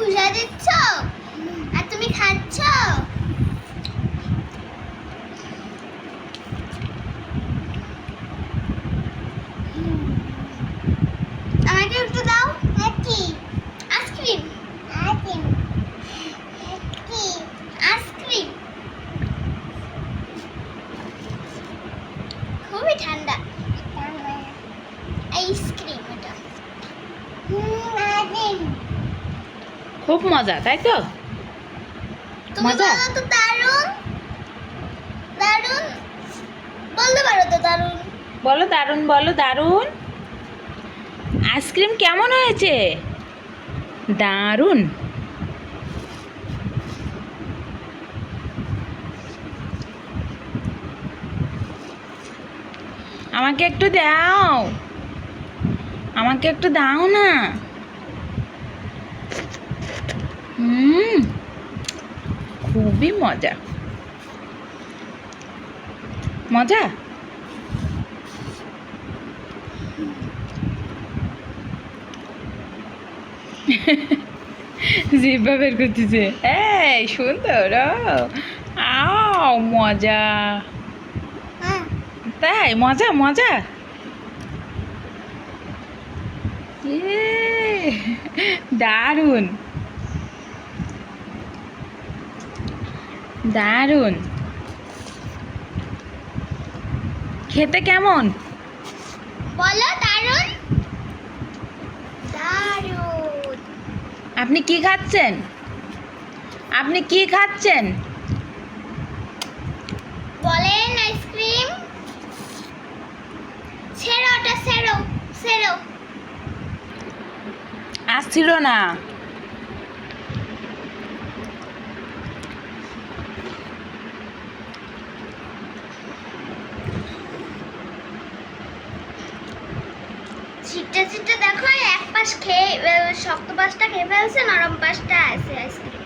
খুশা দিচ্ছ আর তুমি খাচ্ছ। আমাকে একটু দাও। কি আইসক্রিম? আইসক্রিম কি আইসক্রিম? খুবই ঠান্ডা আইসক্রিম এটা। খুব মজা, তাই তো? তুমি মজা? বলো তো দারুণ দারুণ বলতে পারো তো দারুণ? বলো দারুণ, বলো দারুণ। আইসক্রিম কেমন হয়েছে? দারুণ। আমাকে একটু দাও, আমাকে একটু দাও না। খুবই মজা, মজা। জিহ্বা বের করতেছে। এই সুন্দর, আও মজা। হ্যাঁ তাই মজা মজা। ইয়ে, দারুণ দারুণ। খেতে কেমন? বলো দারুণ দারুণ। আপনি কি খাচ্ছেন? আপনি কি খাচ্ছেন? বলেন আইসক্রিম। ছেড়ো ওটা, ছেড়ো ছেড়ো। আসছিল না। ছিটটা ছিটটা দেখো, এক পাশ খেয়ে শক্ত পাশটা খেয়ে ফেলছে, নরম পাশটা আছে আইসক্রিম।